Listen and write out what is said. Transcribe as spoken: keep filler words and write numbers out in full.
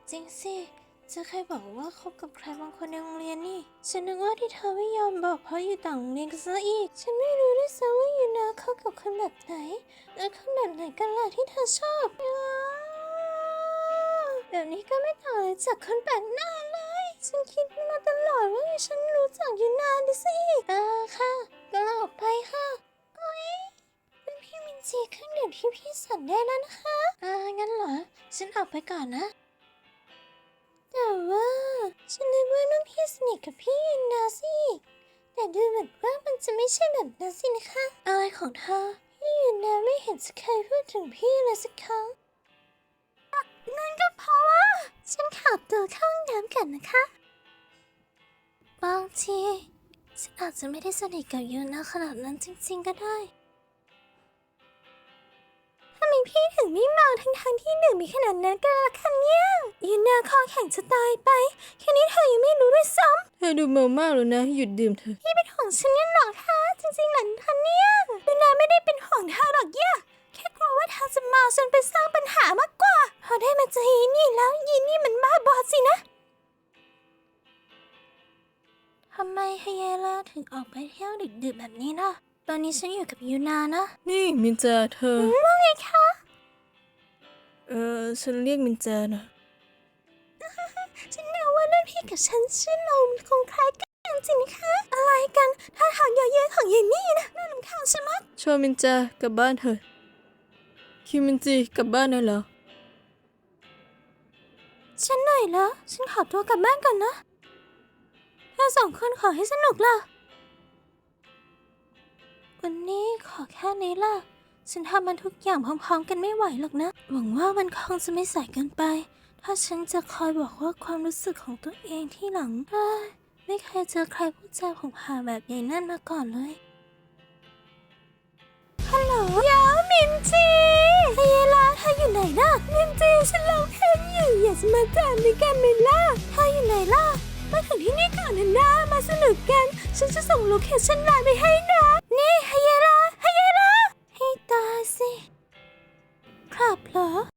จริงสิจะใครบอกว่าคบกับใครบางคนในโรงเรียนนี่ฉันนึกว่าที่เธอไม่ยอมบอกเพราะอยู่ต่างโรงเรียนกันซะอีกฉันไม่รู้ด้วยซ้ำว่าอยู่นาเข้ากับคนแบบไหนและคนแบบไหนกันล่ะที่เธอชอบแบบนี้ก็ไม่ต่างอะไรจากคนแปลกหน้าเลยฉันคิดมาตลอดว่าฉันรู้จักอยู่นานดิสิเออค่ะก็ลาออกไปค่ะโอ๊ยเป็นพี่มินจีเครื่องดื่มที่พี่สั่งได้แล้วนะคะอ่างั้นเหรอฉันออกไปก่อนนะแต่ว่าฉันนึกว่าน้องพี่สนิทกับพี่ยูนาสิแต่ดูเหมือนว่ามันจะไม่ใช่แบบนั้นสินะคะอะไรของเธอพี่ยูนาไม่เห็นจะเคยพูดถึงพี่เลยสักครั้งนั่นก็เพราะว่าฉันขับตัวเข้าห้องน้ำกันนะคะบางทีฉันอาจจะไม่ได้สนิทกับยูนาขนาดนั้นจริงๆก็ได้ทำไมพี่ถึงไม่เมาทั้งๆที่ดื่มมีขนาดนั้นกันล่ะคะเนี่ยยูนาคอแข็งจะตายไปแค่นี้เธอยังไม่รู้ด้วยซ้ำเธอดูเมามากแล้วนะหยุดดื่มเถอะพี่เป็นห่วงฉันเนี่ยหรอคะจริงๆหลังทันเนี่ยยูนาไม่ได้เป็นห่วงเธอหรอกย่าแค่กลัวว่าเธอจะเมาจนไปสร้างปัญหามากกว่าพอได้มาเจอยีนี่แล้วยีนี่มันบ้าบอสินะทำไมเฮียล่าถึงออกไปเที่ยวดึกๆแบบนี้ล่ะตอนนี้ฉันอยู่กับยูนานะนี่มินจาเธอว่าไงคะเออฉันเรียกมินจานะฉันเดาว่ารุ่นพี่กับฉันชื่อเราคงคล้ายกันจริงนะคะอะไรกันท่าทางเยอะแยะของเยนนี่นะน่ารำคาญใช่ไหมชวนมินจากลับบ้านเถอะคิวมินจีกลับบ้านได้แล้วฉันเหนื่อยแล้วฉันขอตัวกลับบ้านก่อนนะถ้าสองคนขอให้สนุกล่ะวันนี้ขอแค่นี้ล่ะฉันทำมันทุกอย่างพร้อมๆกันไม่ไหวหรอกนะหวังว่ามันคงจะไม่สายเกินไปถ้าฉันจะคอยบอกว่าความรู้สึกของตัวเองที่หลังเอ้ยไม่เคยเจอใครพูดจาผงผางแบบใหญ่นั่นมาก่อนเลยฮัลโหลยาวมินจีเฮยล่าเธออยู่ไหนล่ะมินจีฉันร้องเพลงอยู่อยากจะมาจามด้วยกันไหมล่ะเธออยู่ไหนล่ะมาถึงที่นี่ก่อนนะนะมาสนุกกันฉันจะส่งโลเคชั่นไลน์ไปให้นะ